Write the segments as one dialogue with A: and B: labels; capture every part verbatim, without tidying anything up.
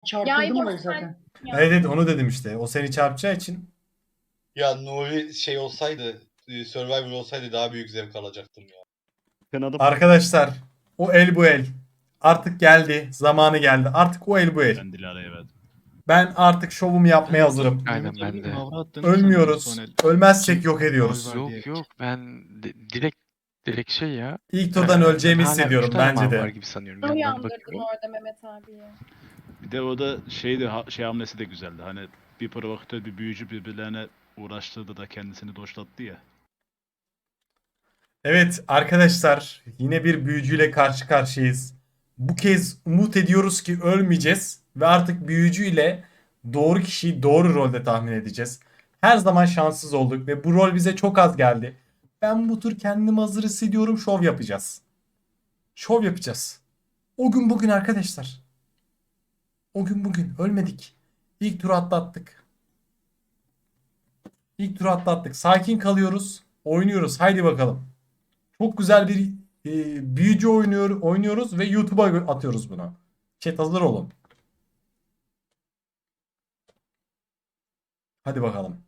A: Çarpıldım
B: yok,
A: orayı zaten.
B: Ya.
C: Evet, evet onu dedim işte. O seni çarpacağı için.
D: Ya Nuri şey olsaydı, e, Survivor olsaydı daha büyük zevk alacaktım ya.
E: Kınadım.
C: Arkadaşlar o el bu el. Artık geldi. Zamanı geldi. Artık o el bu el.
F: Ben Dilara'ya verdim.
C: Ben artık şovumu yapmaya hazırım.
G: Aynen, ben de.
C: Ölmüyoruz. Ölmezsek yok ediyoruz.
G: Yok yok, ben di- direkt direkt şey ya.
C: İlk turdan
G: Ee,
C: öleceğimi
G: ben hala
C: hissediyorum
G: üç tane
C: bence
G: mal
C: de.
G: var gibi sanıyorum.
B: Ne
G: Yandan
B: uyandırdın
G: bakıyorum.
B: orada Mehmet abiyi?
F: Bir de o da şeydi, ha- şey hamlesi de güzeldi. Hani bir provokatör, bir büyücü birbirlerine uğraştırdı da kendisini doşlattı ya.
C: Evet arkadaşlar yine bir büyücüyle karşı karşıyayız. Bu kez umut ediyoruz ki ölmeyeceğiz ve artık büyücüyle doğru kişiyi doğru rolde tahmin edeceğiz. Her zaman şanssız olduk ve bu rol bize çok az geldi. Ben bu tur kendimi hazır hissediyorum, şov yapacağız. Şov yapacağız. O gün bugün arkadaşlar. O gün bugün ölmedik. İlk turu atlattık. İlk turu atlattık. Sakin kalıyoruz. Oynuyoruz. Haydi bakalım. Çok güzel bir e, büyücü oynuyor, oynuyoruz ve YouTube'a atıyoruz bunu. Chat hazır olun. Hadi bakalım.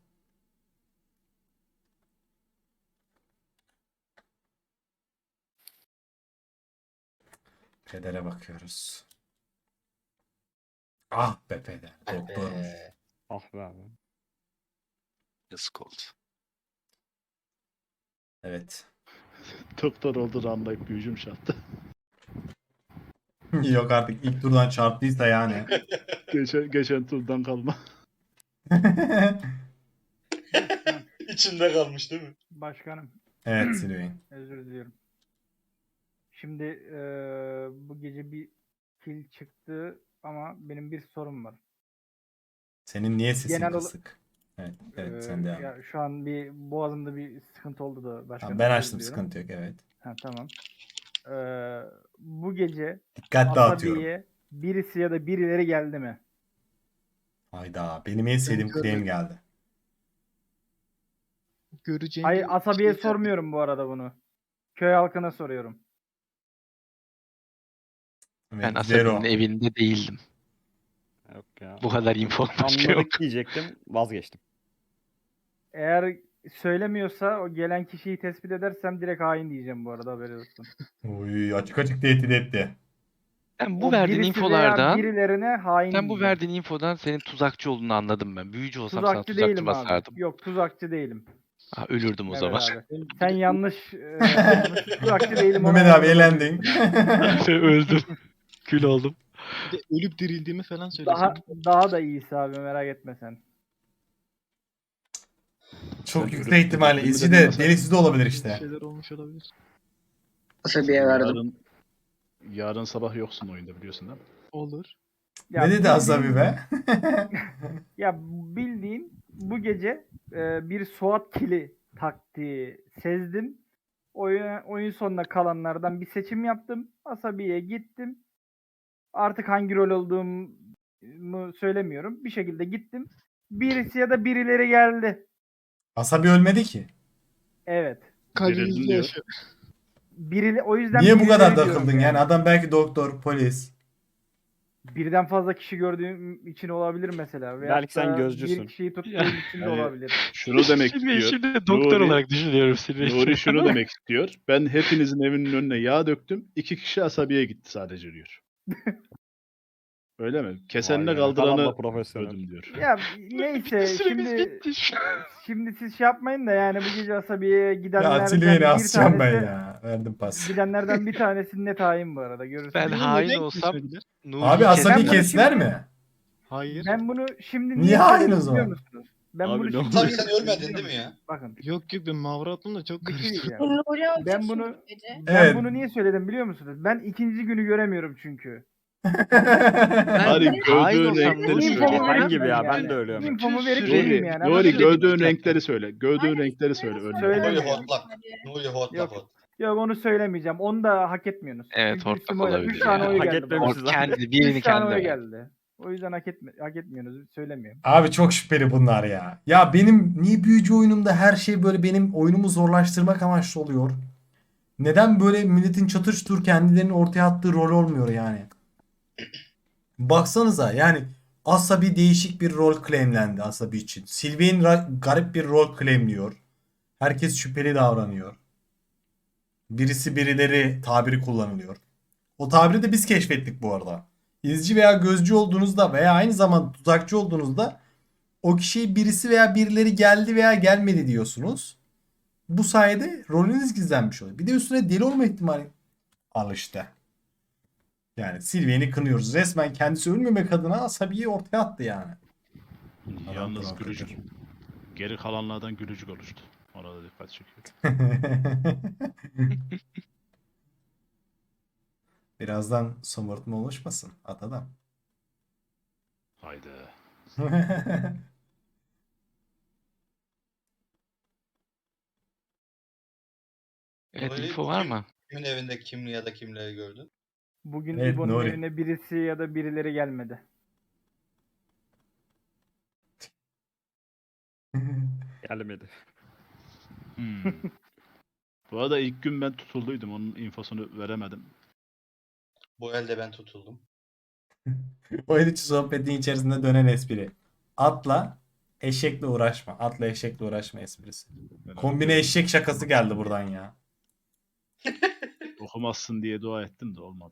C: Pedere bakıyoruz. Ah be peder. Doktormuş.
D: Ee,
E: Ah be abi.
G: Yazık oldu.
C: Evet.
F: Doktor olduğunu anlayıp büyücüm şattı.
C: Yok artık ilk turdan çarptıysa yani.
F: geçen, geçen turdan kalma.
D: içinde kalmış değil mi?
A: Başkanım
C: Evet Silveyn.
A: özür diliyorum. Şimdi eee, bu gece bir kill çıktı ama benim bir sorum var.
C: Senin niye sesin
A: Genel ola-
C: kısık? Evet, evet
A: Eee,
C: sen devam.
A: ya şu an bir boğazımda bir sıkıntı oldu da başkanım.
C: Tamam, ben
A: özür
C: açtım,
A: diliyorum.
C: sıkıntı yok, evet.
A: Ha, tamam. Eee, bu gece
C: Dikkatli atıyorum.
A: Asabi'ye birisi ya da birileri geldi mi?
C: Hayda, benim en sevdiğim claim geldi.
H: Göreceğim
A: Hayır,
H: bir
A: Asabi'ye
H: şey-
A: sormuyorum bu arada bunu. Köy halkına soruyorum.
C: Evet,
G: Ben
C: Zero.
G: Asabi'nin evinde değildim.
E: Yok ya.
G: Bu kadar info başka yok.
E: Anladık diyecektim, vazgeçtim.
A: Eğer söylemiyorsa o gelen kişiyi tespit edersem direkt hain diyeceğim bu arada, haberi olsun.
C: Uy, açık açık tehdit etti.
G: Ben bu
A: O
G: verdiğin
A: birisi veya
G: infolardan,
A: birilerine hain
G: sen bu
A: diyeceğim.
G: verdiğin infodan senin tuzakçı olduğunu anladım ben. Büyücü olsam sana
A: Tuzakçı
G: tuzakçı
A: değilim
G: basardım.
A: abi. Yok, tuzakçı değilim.
G: Ha, ölürdüm o
A: Evet
G: zaman.
A: abi. Sen yanlış, e, yanlış tuzakçı değilim. ona
C: Mehmet abi
A: eminim.
C: elendin.
G: Öldüm. Kül oldum.
H: Bir de ölüp dirildiğimi falan söylesem.
A: Daha, daha da iyisi abi, merak etme sen.
C: Çok
F: Sen
C: yüksek
F: ölüp
C: ihtimalle.
F: dirildiğimi
C: İçi
F: de
C: de
F: bilmesen-
C: delisi de olabilir
H: Bir
C: işte.
H: şeyler olmuş olabilir.
A: Asabi'ye
F: Yarın, yarın sabah yoksun oyunda biliyorsun değil mi?
H: Olur.
A: Ya
C: Ne dedi
A: bildiğin-
C: Asabi be?
A: Ya bildiğin bu gece e, bir SWAT kili taktiği sezdim. Oyun, oyun sonuna kalanlardan bir seçim yaptım. Asabi'ye gittim. Artık hangi rol olduğumu söylemiyorum. Bir şekilde gittim. Birisi ya da birileri geldi.
C: Asabi ölmedi ki.
A: Evet.
F: Dirildin
H: Kalbimizde
F: diyor.
H: yaşıyor.
A: Birili, o yüzden
C: Niye bu kadar
A: birileri diyorum
C: takıldın yani? Adam belki doktor, polis.
A: Birden fazla kişi gördüğüm için olabilir mesela. Veyahut
E: Belki sen
A: da
E: gözcüsün.
A: Bir kişiyi tuttuğum
G: Ya.
A: için de
F: Yani-
A: olabilir.
F: Şunu demek
G: Şimdi,
F: istiyor.
G: şimdi doktor
F: Nuri-
G: olarak düşünüyorum seni.
F: Nuri şunu demek istiyor. Ben hepinizin evinin önüne yağ döktüm. İki kişi asabiye gitti sadece diyor. Öyle mi? Kesenle
E: Vay be, ne kadar da
F: kaldıranı
E: profesyonel.
F: öldüm diyor.
A: Ya neyse
G: Süremiz
A: şimdi
G: bitti.
A: şimdi siz şey yapmayın da yani bu gece Asabiye'ye
C: Ya
A: gidenlerden
C: Silveyn'i
A: bir
C: asacağım ben
A: tanesi
C: ya. Verdim pas.
A: gidenlerden bir tanesi net hain bu arada, görürsünüz.
G: Ben
H: Beni
G: hain
H: neden
G: olsam
H: kesmediler?
G: Nuri'yi
C: Abi Asabi
A: Ben bunu
C: kestiler
A: şimdi-
C: mi?
H: Hayır.
A: Ben bunu şimdi
C: Niye
A: niye
C: hain
A: söyledim
C: o zaman?
A: biliyor musunuz? Ben
F: Abi
A: bunu
F: ne
A: şimdi
F: oldu?
D: Tabii
A: niye
D: sen
A: söyledim
D: ölmedin
A: biliyor
D: değil mi ya?
A: musunuz? Bakın.
H: Yok yok ben Mavrat'ımla çok
A: Bir şey
H: karıştırdım.
A: diyeceğim.
B: Nuri olacak
A: Ben
B: şimdi
A: bunu
B: bu gece.
A: ben
C: Evet.
A: bunu niye söyledim biliyor musunuz? Ben ikinci günü göremiyorum çünkü.
F: Hadi
G: ben hain
F: gördüğün
G: olsam
F: renkleri
G: Nuri'yi
F: söyle.
A: İnfomu
E: Ben
A: verip
E: gibi ya, ben
A: yani.
E: de ölüyorum.
A: İnfomu verip
G: Süre-
A: gideyim
F: Nuri,
A: yani.
F: Nuri
A: Anladın mı?
F: gördüğün renkleri söyle. Gördüğün renkleri söyle. Öyle.
A: Söyle.
D: Nuri
A: Söylemiyorum.
D: hortlak. Nuri hortlak
A: Yok.
D: hot.
A: Yok, onu söylemeyeceğim. Onu da hak etmiyorsunuz.
G: Evet,
A: Çünkü
G: hortlak
A: üstüme oynadı.
G: olabilir
A: Üç tane
G: ya.
A: oy
E: Hak
A: geldi.
E: etmemişiz
A: bana.
G: o kendi birini
A: Üç tane
G: kendi
A: oy
G: ver.
A: geldi. O yüzden hak, etme, hak etmiyorsunuz. Söylemiyorum.
C: Abi çok şüpheli bunlar ya. Ya benim niye büyücü oyunumda her şey böyle benim oyunumu zorlaştırmak amaçlı oluyor? Neden böyle milletin çatır çutur kendilerinin ortaya attığı rol olmuyor yani? Baksanıza yani Asabi değişik bir rol claimlendi Asabi için. Sylvain ra- garip bir rol claimliyor. Herkes şüpheli davranıyor. Birisi birileri tabiri kullanılıyor. O tabiri de biz keşfettik bu arada. İzci veya gözcü olduğunuzda veya aynı zamanda tuzakçı olduğunuzda o kişiye birisi veya birileri geldi veya gelmedi diyorsunuz. Bu sayede rolünüz gizlenmiş oluyor. Bir de üstüne deli olma ihtimali al işte. Yani Sylvain'i kınıyoruz. Resmen kendisi ölmemek adına Asabi'yi ortaya attı yani.
F: Yalnız
C: Adam
F: gülücük.
C: kadar.
F: Geri kalanlardan gülücük oluştu. Orada dikkat çekiyor.
C: Birazdan somurtma oluşmasın at adam.
F: Haydi.
G: Evet,
D: Nuri,
G: info var
D: kim-
G: mı?
D: Kimin evinde kim ya da kimleri gördün?
A: Bugün
C: Evet,
A: İbo'nun
C: Nuri.
A: evine birisi ya da birileri gelmedi.
E: Gelmedi.
F: Hmm. Bu arada ilk gün ben tutulduydum. Onun infosunu veremedim.
D: Bu elde ben tutuldum.
C: Oyun içi sohbetin içerisinde dönen espri. Atla eşekle uğraşma. Atla eşekle uğraşma esprisi. Kombine eşek şakası geldi buradan ya.
F: Okumazsın diye dua ettim de olmadı.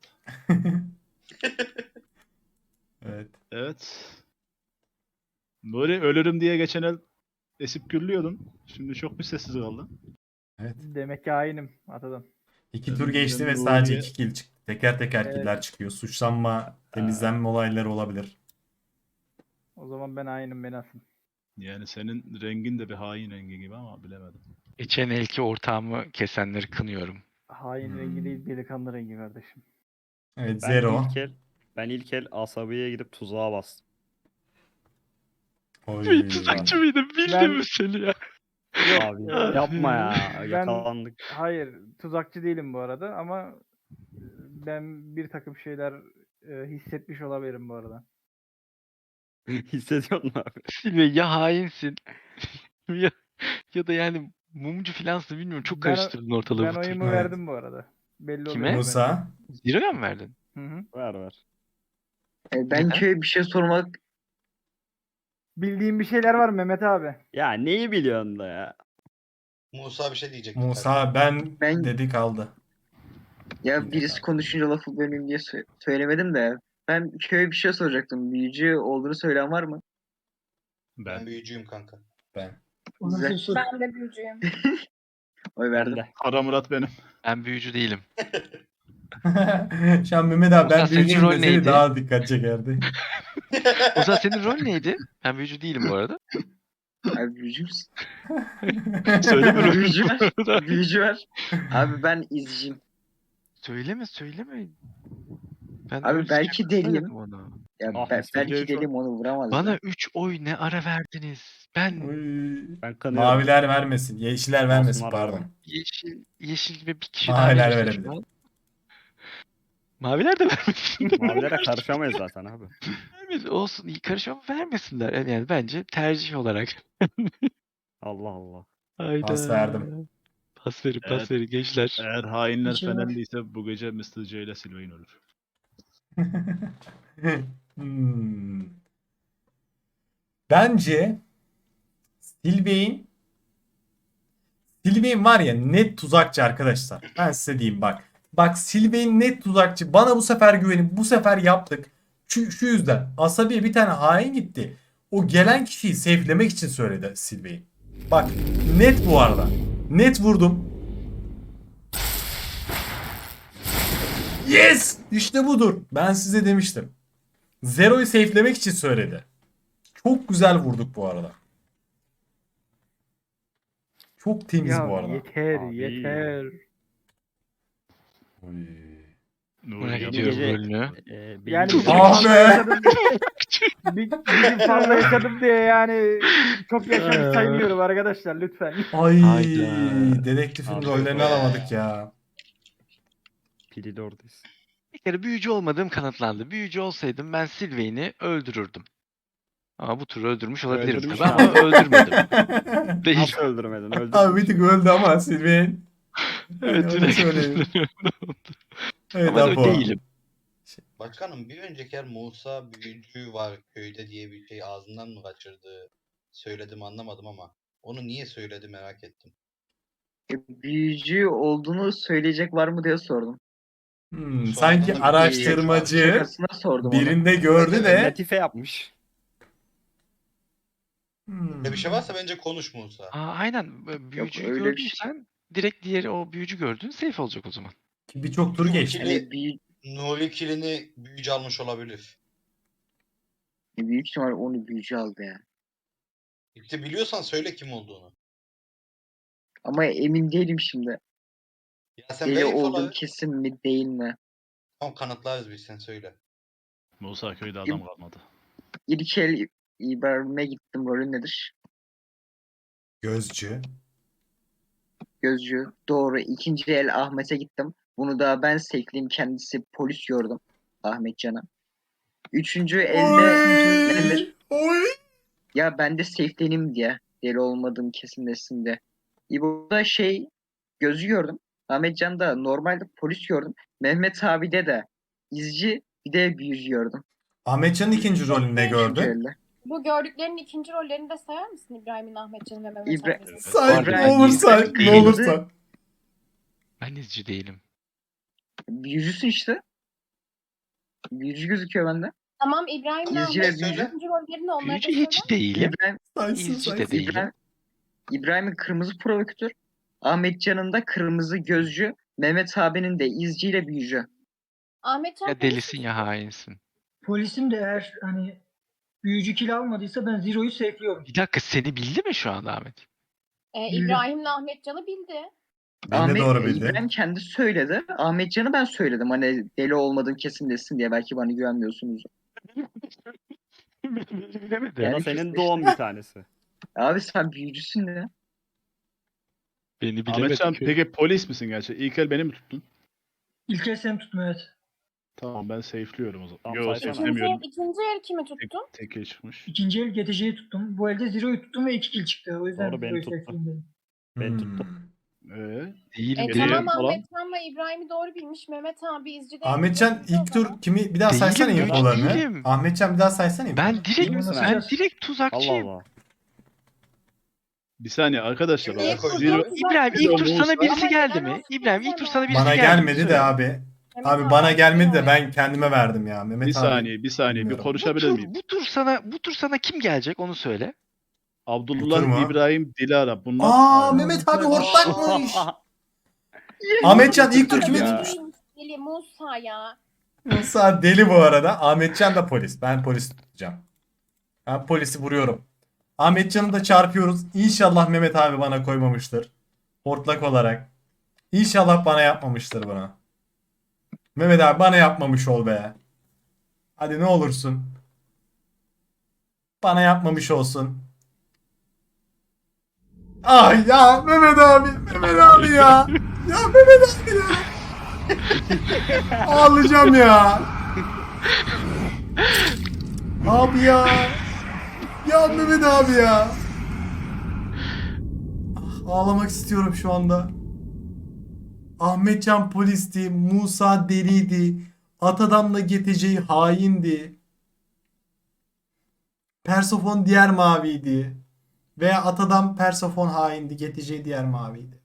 C: Evet.
F: Evet. Nuri ölürüm diye geçen el esip gürlüyordun. Şimdi çok bir sessiz kaldın.
C: Evet.
A: Demek ki hainim atadım.
C: İki
F: Ben
C: tur geçti ve
F: Nuri'ye-
C: sadece iki kill çıktı. Teker teker
A: Evet.
C: killer çıkıyor. Suçlanma, temizlenme olayları olabilir.
A: O zaman ben hainim, beni asın.
F: Yani senin rengin de bir hain rengi gibi ama bilemedim.
G: Geçen elki ortağımı kesenleri kınıyorum.
A: Hain
C: Hmm.
A: rengi değil, delikanlı rengi kardeşim.
C: Evet,
E: Ben
C: Zero.
E: ilk el, ben ilk el Asabi'ye gidip tuzağa bastım.
C: Oy.
G: Tuzakçı mıydın? Bildim
A: Ben-
G: mi seni ya?
A: Yok,
E: Abi
A: e,
E: yapma ya.
A: Ben-
E: Yakalandık.
A: Hayır, tuzakçı değilim bu arada ama ben bir takım şeyler e, hissetmiş olabilirim bu arada.
E: Hissediyor musun abi?
G: Silve ya hainsin ya, ya da yani mumcu filansın, bilmiyorum, çok
A: Ben-
G: karıştırdın ortalığı
A: Ben
G: bu tur.
A: oyumu
C: Evet.
A: verdim bu arada. Belli
G: Kime?
A: oluyor
C: Musa.
G: Zero'ya mı verdin?
A: bence. Hı hı.
E: Ver ver.
B: E, Ben
G: Neden?
B: köye bir şey sormak
A: Bildiğin bir şeyler var mı Mehmet abi?
E: Ya neyi biliyorsun da ya?
D: Musa bir şey diyecek.
C: Musa ben,
B: Ben-
C: dedi kaldı.
B: ya birisi konuşunca lafı bölmeyeyim diye sö- söylemedim de ben köye bir şey soracaktım. Büyücü olduğunu söyleyen var mı?
D: Ben
F: Ben
D: büyücüyüm kanka.
C: Ben.
B: Güzel.
I: Ben de büyücüyüm.
B: Oy
E: Ben
B: verdim.
E: de.
F: Kara Murat benim.
G: Ben büyücü değilim.
C: Şu an Mehmet abi ben
G: Musa, senin
C: büyücüyüm
G: rol
C: deseydi
G: neydi?
C: daha dikkat çekerdi.
G: Ozan, senin rol neydi? Ben büyücü değilim bu arada.
B: Abi büyücü müsün?
G: Söyleme rolünü
B: Büyücü
G: bu
B: var.
G: arada.
B: Büyücü var. Abi ben izciyim.
G: Söyleme söyleme. Ben
B: Abi
G: öyle
B: belki
G: sıcak söylemedim
B: deliyim.
G: ona.
B: Ya
E: Ah,
B: ben,
E: Mister
B: belki
E: J şu an-
B: deliyim onu vuramaz.
G: Bana
B: ya.
G: üç oy ne ara verdiniz? Ben
C: Oy.
E: Ben kanıyorum.
C: Maviler vermesin. Yeşiller vermesin
E: Masumlar
C: pardon.
E: var.
G: yeşil yeşil ve bir kişi
C: Maviler
G: daha verirse
C: verebilir.
G: şu an. Maviler de vermesin.
E: Mavilere karışamayız zaten abi.
G: Vermesin. Olsun, iyi karışma, vermesinler. Yani, yani bence tercih olarak.
E: Allah Allah.
G: Hayda.
C: Pas verdim.
G: Pas verin, pas
F: Evet.
G: verin gençler.
F: Eğer hainler
B: İçim var.
F: Fenerliyse bu gece mister J ile Sylvain ölür.
C: Hmm. Bence Sylvain Sylvain var ya net tuzakçı arkadaşlar. Ben size diyeyim bak. Bak Sylvain net tuzakçı. Bana bu sefer güvenin. Bu sefer yaptık. Şu, şu yüzden. Asabi'ye bir tane hain gitti. O gelen kişiyi safe'lemek için söyledi Sylvain. Bak net bu arada. Net vurdum. Yes! İşte budur. Ben size demiştim. Zero'yu safe'lemek için söyledi. Çok güzel vurduk bu arada. Çok temiz
A: Ya
C: bu arada.
A: yeter
E: Abi.
A: yeter.
C: Oy.
F: Nuri
G: Merak
F: yanıyor.
G: ediyorum
E: gece-
G: rolünü.
E: Ee, benim
A: Yani
E: gece-
A: bir gün
C: Ah
A: fazla
C: be!
A: yaşadım diye- bir, bir gün fazla yaşadım diye yani çok yaşamış saymıyorum arkadaşlar lütfen.
C: Ay,
G: Hayda.
C: dedektifin
E: Abi
C: rollerini
D: be.
C: alamadık ya.
E: Pili de oradayız.
G: Bir kere büyücü olmadığım kanıtlandı. Büyücü olsaydım ben Sylvain'i öldürürdüm. Ama bu tur öldürmüş olabilirim
E: Öldürmüş
G: tabii
E: abi.
G: ama öldürmedim. Değil.
E: Nasıl öldürmedin? Öldürdün.
C: Abi bir tık öldü ama Sylvain.
G: Evet,
C: onu
G: direkt
C: söyleyeyim.
G: öldürüyorum.
C: Evet
G: Ama
C: Apo.
G: değilim.
D: Başkanım bir önceki yer Musa büyücü var köyde diye bir şey ağzından mı kaçırdı? Söyledim anlamadım ama onu niye söyledi merak ettim.
B: E, büyücü olduğunu söyleyecek var mı diye sordum.
C: Hmm,
D: Şu
C: sanki
D: anda bir
C: araştırmacı
B: Şakasına sordum onu.
C: birinde gördü de.
E: Latife yapmış.
C: Hmm.
D: Böyle bir şey varsa bence konuş Musa.
G: Aa, aynen. Böyle Büyücüyü
B: öyle bir şey.
G: gördüysen direkt diğeri o büyücü gördüğün safe olacak o zaman.
C: Ki birçok tur
D: Bu
C: geçti.
D: ikili-
B: Yani büyü,
D: Nuri kilini büyücü almış olabilir.
B: büyük ihtimal onu büyücü aldı ya.
D: İşte biliyorsan söyle kim olduğunu.
B: Ama emin değilim şimdi.
D: Ya sen
B: Deli
D: ver
B: olduğum
D: infoları.
B: kesin mi değil mi?
D: Tamam kanıtlarız biz sen söyle.
F: Musa köyde adam kalmadı.
B: İlk el İbrahim'e gittim. Rolü nedir?
C: Gözcü.
B: Gözcü. Doğru. İkinci el Ahmet'e gittim. Bunu da ben sekleyeyim. Kendisi polis gördüm. Ahmetcan'a. Üçüncü elde
C: Oy! Oy!
B: ya ben de safe'lenim diye. Deli olmadığım kesinleşsin diye. İbo'da şey gözü gördüm. Ahmetcan'da normalde polis gördüm. Mehmet abi'de de izci bir de büyücü gördüm.
C: Ahmetcan'ın ikinci rolünü ne
B: Üçüncü
C: gördün?
B: elde.
I: Bu gördüklerinin ikinci rollerini de sayar mısın İbrahim'in, Ahmetcan'ın ve Mehmet
B: İbra-
I: abinin?
C: Say
B: Orada
C: ne olursa
B: izci
C: ne olursa.
G: Ben izci değilim.
B: Büyücüsün işte. Büyücü gözüküyor bende.
I: Tamam, İbrahim'le
B: İzci ve
I: Ahmetcan'ın
B: büyücü.
I: ikinci rollerini onlara da
G: Büyücü
I: söyler
G: hiç değilim.
B: İbrahim,
C: Saysın
G: İzci de
C: saysın.
G: değilim.
B: İbrahim, İbrahim'in kırmızı provokatör. Ahmetcan'ın da kırmızı gözcü. Mehmet abinin de izciyle büyücü.
I: Ahmetcan
G: Ya
I: polis
G: delisin
I: mi?
G: ya hainsin.
J: Polisim de eğer hani büyücü kill almadıysa ben Zero'yu safe'liyorum.
G: Bir dakika seni bildi mi şu anda Ahmet?
I: Ee,
J: Bildim.
I: İbrahim'le Ahmetcan'ı bildi.
C: Ben de doğru bildi.
B: İbrahim kendi söyledi. Ahmetcan'ı ben söyledim. Hani deli olmadığım kesinleşsin diye. Belki bana güvenmiyorsunuz.
G: Bilemedim.
E: Ya da
B: Yani
E: senin
B: kesin
E: doğum bir tanesi.
B: Abi sen büyücüsün ya.
G: Beni bilemedim.
F: Ahmetcan peki polis misin gerçekten? İlk el beni mi tuttun?
J: İlk el seni tutma evet.
F: Tamam ben safe'liyorum o zaman.
E: Tamam,
F: Yok
E: saysana.
I: İkinci,
F: safe'lemiyorum.
I: ikinci el kimi
F: Tek,
I: tuttun?
F: tek el çıkmış.
J: İkinci el G T C'yi tuttum. Bu elde Zero'yu tuttum ve iki kill çıktı. O yüzden
E: Doğru, beni
J: Zero'yu
E: tuttu.
J: safe'leyeyim dedim.
E: Ben
C: Hmm.
E: tuttum.
F: Ee,
G: Değilim.
I: E,
F: Geriye
I: tamam,
F: falan.
I: Ahmetcan'la İbrahim'i doğru bilmiş. Mehmet abi izci değil.
C: Ahmetcan ilk tur kimi bir daha
G: Değilim,
C: saysana
G: büyücü
C: infolarını.
G: değilim.
C: Ahmetcan bir daha saysana infolarını.
G: Ben direkt
J: Bilmiyorum,
G: ben
J: nasıl-
G: direkt
E: Allah
G: tuzakçıyım.
E: Allah.
F: bir saniye arkadaşlar.
D: Kimliğe
F: bak,
D: koydun?
F: Zero,
G: İbrahim ilk tur sana
F: Musa-
G: birisi
I: Ama
G: geldi
I: neden
G: mi?
I: olsun
G: İbrahim ilk tur sana birisi
C: Bana
G: geldi.
C: gelmedi
G: Söyle.
C: de abi.
I: Mehmet
C: Abi bana gelmedi de
I: bilmiyor.
C: ben kendime verdim ya. Mehmet
F: bir
C: abi.
F: saniye bir saniye bir
C: bilmiyorum.
G: Bu
F: konuşabilir
G: tur,
F: miyim?
G: bu tur sana bu tur sana kim gelecek onu söyle.
C: Otur mu?
F: Abdullah, İbrahim, Dilara bunlar.
C: Aa
F: Aynen.
C: Mehmet abi
J: Aa.
C: hortlakmış. Ahmetcan ilk tur kimi
I: Ama
C: tutmuş?
I: Deli, Deli Musa ya.
C: Musa deli bu arada. Ahmetcan da polis. Ben polis tutacağım. Ben polisi vuruyorum. Ahmetcan'ı da çarpıyoruz. İnşallah Mehmet abi bana koymamıştır. Hortlak olarak. İnşallah bana yapmamıştır bunu. Mehmet abi bana yapmamış ol be. Hadi ne olursun. Bana yapmamış olsun. Ah ya Mehmet abi. Mehmet abi ya. Ya Mehmet abi ya. Ağlayacağım ya. Abi ya. Ya Mehmet abi ya. Ah, ağlamak istiyorum şu anda. Ahmetcan polisti, Musa deliydi, Atadam'la G T C haindi. Persofon diğer maviydi. Veya Atadam Persofon haindi, G T C diğer maviydi.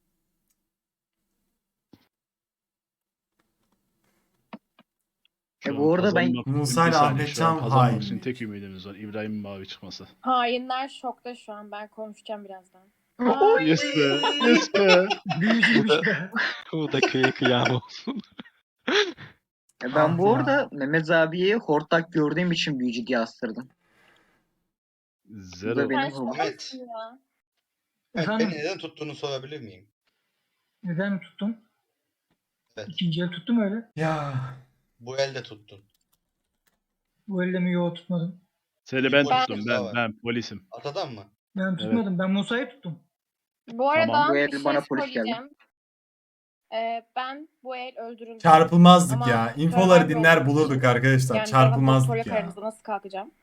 B: E bu arada ben
F: Kazanmak-
C: Musa ile
F: bir saniye,
C: Ahmet
F: şu an
C: Can
F: kazanmak
C: hain.
F: için tek ümidimiz var. İbrahim'in mavi çıkması.
I: Hainler şokta şu an. Ben konuşacağım birazdan.
F: Yes be. Yes be.
J: Büyücüymüş be.
G: Bu da köye kıyam olsun.
B: e ben bu
C: Ah ya.
B: arada Mehmet abiyi hortlak gördüğüm için büyücü diye astırdım.
F: Zero.
B: Bu da benim
I: Sen
B: hobim.
I: şokasın ya.
D: Evet,
J: Efendim?
D: beni neden tuttuğunu sorabilir miyim?
J: Neden mi tuttum?
D: Evet.
J: İkinci el tuttum öyle.
C: Ya
D: Bu elde tuttun.
J: Bu elde mi? Yok tutmadım.
F: Seni ben
D: Ben-
F: tuttum. Ben, ben polisim.
D: Atadan mı?
J: Ben tutmadım. Ben Musa'yı tuttum.
I: Bu arada
F: Tamam,
B: bu
I: bir
B: el
I: şey
B: bana polis geldi.
I: söyleyeceğim. Ee, ben bu el öldürüldüm.
C: çarpılmazdık
I: Ama
C: ya. İnfoları
I: Survivor
C: dinler
I: olduğu
C: bulurduk
I: için,
C: arkadaşlar.
I: yani
C: Çarpılmazdık
I: Survivor
C: ya.
I: aranızda nasıl kalkacağım?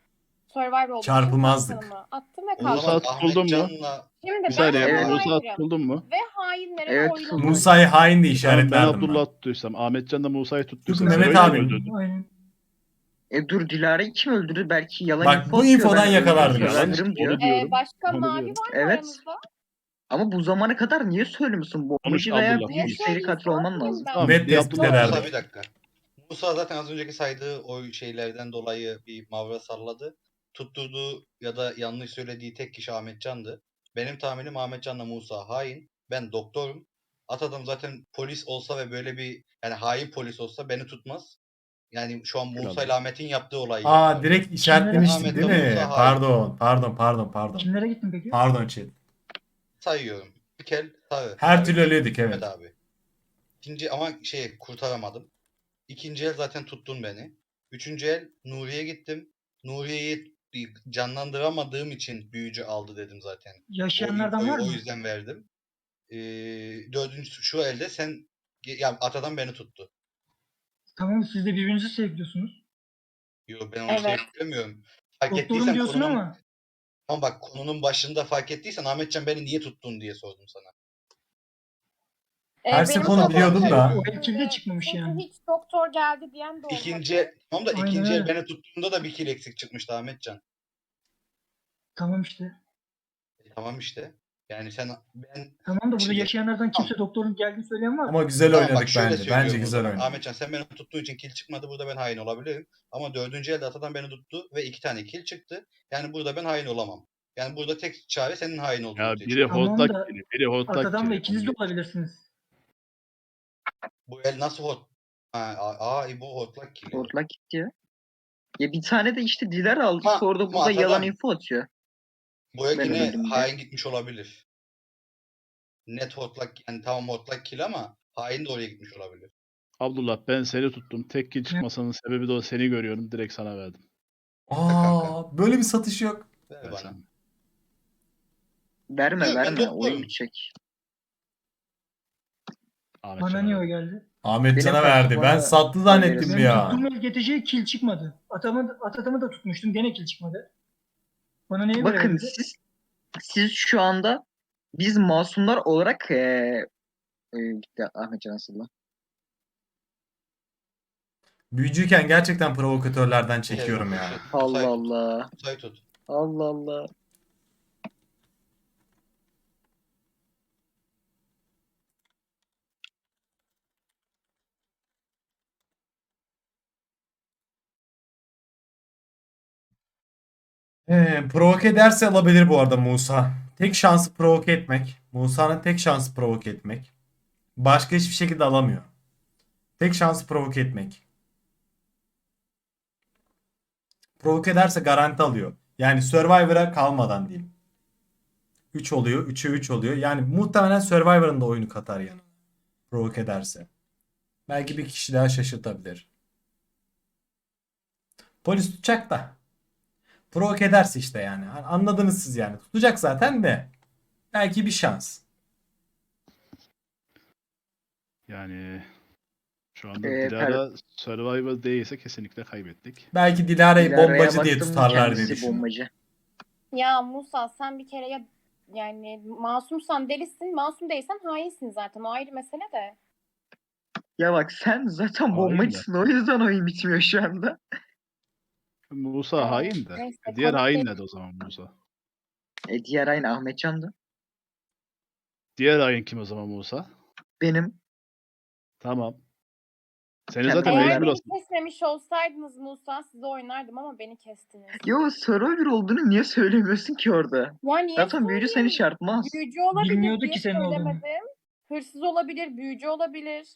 I: Survivor olduğu için
C: Çarpılmazdık.
I: kaptanımı attım ve
D: O zaman
F: Musa
I: kalktım.
F: tutuldun mu?
D: Ahmetcan'la
I: Şimdi
F: Bir
I: ben
F: saniye.
B: Evet.
F: Musa
I: Survivor'ım
F: tutuldun mu?
I: ve hainlere
B: Evet,
I: oyun
B: tutuldu.
C: Musa'yı hain diye
F: Tamam, ben
C: işaretlerdim ben.
F: Abdullah tuttuysam, Ahmetcan da Musa'yı tuttuysa
C: Mehmet
F: Zero'yu
C: abi.
F: kim öldürdü?
J: Aynen.
B: E dur, Dilara'yı kim öldürdü? Belki yalan
C: Bak,
B: info
C: bu
B: atıyor,
C: infodan
B: ben
C: yakalardım
B: öldürdüm,
C: ya.
B: öldürdüm diyor.
F: Onu diyorum.
I: Ee, başka
F: Onu
I: mavi
F: diyorum.
I: var mı
B: Evet.
I: aranızda?
B: Ama bu zamana kadar niye söylemiyorsun? Bombacı veya
F: Abdullah.
I: Niye
B: büyücü seri
I: söyleyeyim?
B: katil olman
I: Salak mıyım
B: lazım.
I: ben?
F: Tamam,
C: Net
F: bir
C: tespit
F: Abdullah.
C: ederdim.
D: Musa bir dakika. Musa zaten az önceki saydığı o şeylerden dolayı bir mavra salladı. Tutturduğu ya da yanlış söylediği tek kişi Ahmetcan'dı. Benim tahminim Ahmetcan'la Musa hain. Ben doktorum. Atadım zaten polis olsa ve böyle bir yani hain polis olsa beni tutmaz. Yani şu an Musa ile Ahmet'in yaptığı olayı
C: Aa,
D: yapıyor.
C: direkt işaretlemiştin
D: Ahmet
C: değil
D: de
C: mi?
D: Musa hain.
C: Pardon, pardon, pardon, pardon.
J: Kimlere gittin peki?
C: Pardon chat.
D: Sayıyorum. Mikel, Sarı.
C: Her
D: Sarı.
C: türlü ölüyorduk, evet.
D: Ahmet abi. İkinci ama şey kurtaramadım. İkinci el zaten tuttun beni. Üçüncü el Nuri'ye gittim. Nuriye'yi canlandıramadığım için büyücü aldı dedim zaten. O
J: Yaşayanlardan
D: infoyu
J: var
D: o
J: mı?
D: yüzden verdim. Ee, dördüncü şu elde sen yani atadan beni tuttu.
J: Tamam, siz de birbirinizi seviliyorsunuz.
D: Yo ben onu
I: Evet.
D: sevmiyorum. Fark
J: Doktorum
D: ettiysen
J: diyorsun
D: konunun,
J: ama
D: ama bak konunun başında fark ettiysen Ahmetcan beni niye tuttun diye sordum sana.
I: Ee,
C: Her
I: benim
C: seferinde
I: de
C: biliyordum
I: doktor
C: da.
J: o
I: şimdi-
J: elçilde çıkmamış
I: çünkü
J: yani.
I: hiç doktor geldi diyen de olmadı.
D: İkinci el, tamam da
J: Aynen
D: ikinci el
J: öyle.
D: beni tuttuğunda da bir kill eksik çıkmıştı Ahmetcan.
J: Tamam işte.
D: E, tamam işte. Yani sen ben
J: Tamam da burada
D: Şimdi-
J: yaşayanlardan kimse
D: Tamam.
J: doktorun geldiğini söyleyen var mı?
C: Ama güzel
D: Tamam bak
C: oynadık
D: şöyle
C: bence.
D: söylüyorum
C: Bence
D: o
C: güzel
D: zaman.
C: oynadık.
D: Ahmetcan sen beni tuttuğun için kill çıkmadı. Burada ben hain olabilirim. Ama dördüncü elde atadan beni tuttu ve iki tane kill çıktı. Yani burada ben hain olamam. Yani burada tek çare senin hain olduğunu
F: Ya
D: ortaya
F: biri
D: çıkarmak.
J: Tamam
F: hortlak
J: da
F: kili, biri hortlak
J: Atadan'la
F: kili.
J: ikiniz de olabilirsiniz.
D: Bu el nasıl hot? Ha, aa, aa bu hortlak kill.
B: Hortlak gitti ya. Ya bir tane de işte Dilara aldı,
D: Ama-
B: sonra da
D: ama
B: burada yalan
D: Atadan-
B: info atıyor.
D: Bu el
B: Ben
D: yine
B: öldüm de.
D: hain gitmiş olabilir. Net hortlak yani tamam hortlak kill ama hain de oraya gitmiş olabilir.
F: Abdullah, ben seni tuttum. Tek kill çıkmasının sebebi de o, seni görüyorum. Direkt sana verdim.
C: Aa, böyle bir satış yok.
D: Ver
F: Ben
D: bana.
F: sana.
B: Verme
D: Yok, ben
B: verme,
D: doktorum.
B: oyun bitecek.
F: Ahmet
J: Bana
F: Can'a
J: niye o
F: verdim.
J: geldi?
C: Ahmetcan'a
B: Benim
C: verdi.
B: karşıma-
C: Ben sattı zannettim
B: Benim
C: bir
J: Benim
C: ya.
J: tuttuğum el geteceği kill çıkmadı. Atamı, Atatamı da tutmuştum, gene kill çıkmadı. Bana niye böyle
B: Bakın
J: geldi?
B: siz siz şu anda biz masumlar olarak eee e, gitti Ahmetcan Asıl'la.
C: Büyücüyken gerçekten provokatörlerden çekiyorum ya.
D: Musa'yı
B: Allah
D: tut,
B: Allah.
D: Musa'yı tut.
B: Allah Allah.
C: Ee, provoke ederse alabilir bu arada Musa. Tek şansı provoke etmek. Musa'nın tek şansı provoke etmek. Başka hiçbir şekilde alamıyor. Tek şansı provoke etmek. Provoke ederse garanti alıyor. Yani Survivor'a kalmadan diyeyim. üç oluyor. üçe üç oluyor. Yani muhtemelen Survivor'ın da oyunu katar yani. Provoke ederse. Belki bir kişi daha şaşırtabilir. Polis tutacak da. Provoke ederse işte yani. Hani anladınız siz yani. Tutacak zaten de. Belki bir şans.
F: Yani şu anda
B: Ee,
F: Dilara Survivor değilse kesinlikle kaybettik.
C: Belki Dilara'yı
B: Dilara'ya
C: bombacı diye
B: baktım,
C: tutarlar diye
B: kendisi
C: düşünüyorum.
B: bombacı.
I: Ya Musa sen bir kere ya yani masumsan delisin, masum değilsen hainsin zaten. O ayrı mesele de.
B: Ya bak sen zaten
F: Hain
B: bombacısın, o yüzden oyun bitmiyor şu anda.
F: Musa
I: Ee,
F: hain de.
I: neyse,
F: Diğer
I: kanıt
F: hain
I: değil.
F: nerede o zaman Musa?
B: E diğer aynı Ahmetcan'dı.
F: Diğer hain kim o zaman Musa?
B: Benim.
F: Tamam. Seni
B: Kendi
F: zaten
B: hain.
I: Eğer
F: mecbur
I: beni
F: asın.
I: kesmemiş olsaydınız Musa size oynardım ama beni kestiniz.
B: Yo, Survivor olduğunu niye söylemiyorsun ki orada?
I: Ya niye
B: Zaten büyücü seni
I: söyleyeyim?
B: çarpmaz.
I: Büyücü olabilir
J: Bilmiyordu
I: diye
J: ki senin olduğunu.
I: söylemedim. Hırsız olabilir, büyücü olabilir.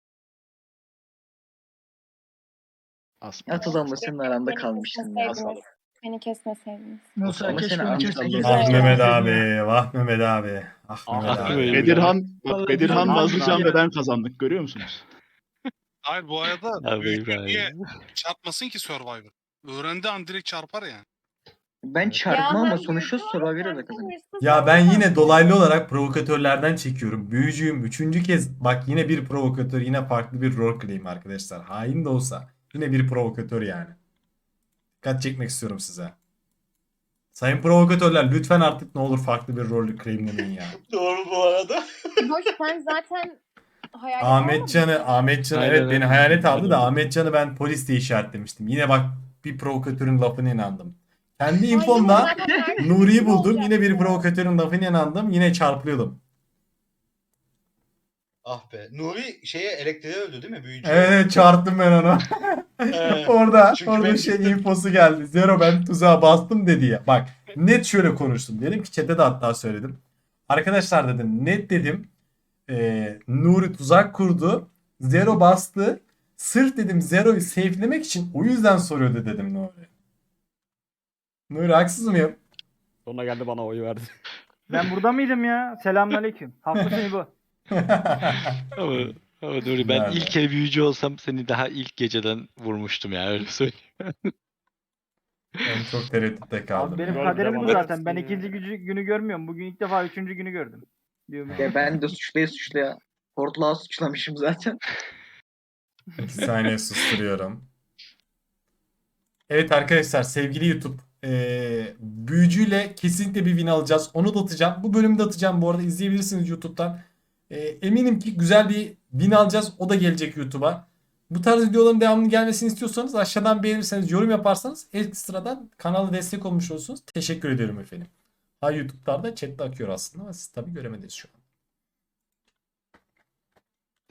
F: Asma.
B: Atadan'la senin aranda
I: Beni
B: kalmıştın ya.
I: kesmeseydiniz.
F: Asalım.
I: Beni kesmeseydiniz.
J: Musa
B: Ama
J: keşke
B: seni
J: onu
B: almışlar
J: keseydin.
B: zaten.
C: Ah
I: Güzel.
C: Mehmet
J: Ya.
C: abi. Vah Mehmet abi. Ah
G: Ah
C: Mehmet abi.
G: Mehmet.
F: Bedirhan, bak
J: Vallahi
F: Bedirhan,
J: güzel.
F: Nazlıcan
J: Abi.
F: ve ben kazandık, görüyor musunuz?
K: Hayır bu arada
G: Abi
K: büyücü
G: İbrahim.
K: niye çarpmasın ki Survivor? Öğrendi an direkt çarpar yani.
B: Ben
F: Evet.
B: çarpmam
I: Ya
B: ama
I: hem
B: sonuçta
I: büyücü var,
B: Survivor'a
I: hem
B: da
I: de
B: kazanıyor.
I: hırsız
C: Ya
I: var.
C: ben yine dolaylı olarak provokatörlerden çekiyorum. Büyücüyüm. Üçüncü kez bak yine bir provokatör, yine farklı bir rol claim arkadaşlar. Hain de olsa yine bir provokatör yani. Dikkat çekmek istiyorum size. Sayın provokatörler lütfen artık ne olur farklı bir rolü claimlemeyin ya.
D: Doğru bu arada.
I: Hoş sen zaten hayalet
C: Ahmetcan'ı,
I: almadın mı?
C: Ahmetcan
G: Aynen
C: evet
G: öyle.
C: beni hayalet aldı
G: Aynen
C: da
G: öyle.
C: Ahmetcan'ı ben polis diye işaretlemiştim. Yine bak bir provokatörün lafına inandım. Kendi
I: Ay,
C: infomda
I: yok, zaten herkes
C: Nuri'yi
I: gibi
C: buldum. Yine bir
I: olacaktı.
C: provokatörün lafına inandım. Yine çarpılıyordum.
D: Ah be. Nuri şeye elektriğe öldü değil mi? Büyücü.
C: Evet, evet çarptım ben onu.
D: Ee,
C: orada
D: çünkü
C: orada
D: ben
C: şey
D: gittim.
C: infosu geldi. Zero ben tuzağa bastım dedi ya. Bak net şöyle konuştum. Dedim ki chat'e de hatta söyledim. Arkadaşlar dedim net dedim. Ee, Nuri tuzak kurdu. Zero bastı. Sırf dedim Zero'yu safe'lemek için o yüzden soruyordu dedim Nuri. Nuri haksız mıyım?
E: Sonra geldi bana oy verdi.
A: Ben burada mıydım ya? Selamünaleyküm. Haklısın İbo.
G: Ama, ama Nuri ben
C: Nerede?
G: ilk kere büyücü olsam seni daha ilk geceden vurmuştum ya öyle söyleyeyim.
C: Ben çok tereddütte kaldım.
A: Abi benim
E: Gol
A: kaderim bu
E: devam
A: zaten. Ben
E: etsin ya.
A: ikinci gücü, günü görmüyorum. Bugün ilk defa üçüncü günü gördüm. Diyorum.
B: Ya ben de suçluya suçluya. Portlağı suçlamışım zaten.
C: İki saniye susturuyorum. Evet arkadaşlar sevgili YouTube. Ee, büyücüyle kesinlikle bir win alacağız. Onu da atacağım. Bu bölümü de atacağım bu arada izleyebilirsiniz YouTube'dan. Ee, eminim ki güzel bir win alacağız. O da gelecek YouTube'a. Bu tarz videoların devamlı gelmesini istiyorsanız aşağıdan beğenirseniz yorum yaparsanız ekstradan kanala destek olmuş olursunuz. Teşekkür ediyorum efendim. Ha YouTube'larda chatte akıyor aslında ama siz tabii göremediniz şu an.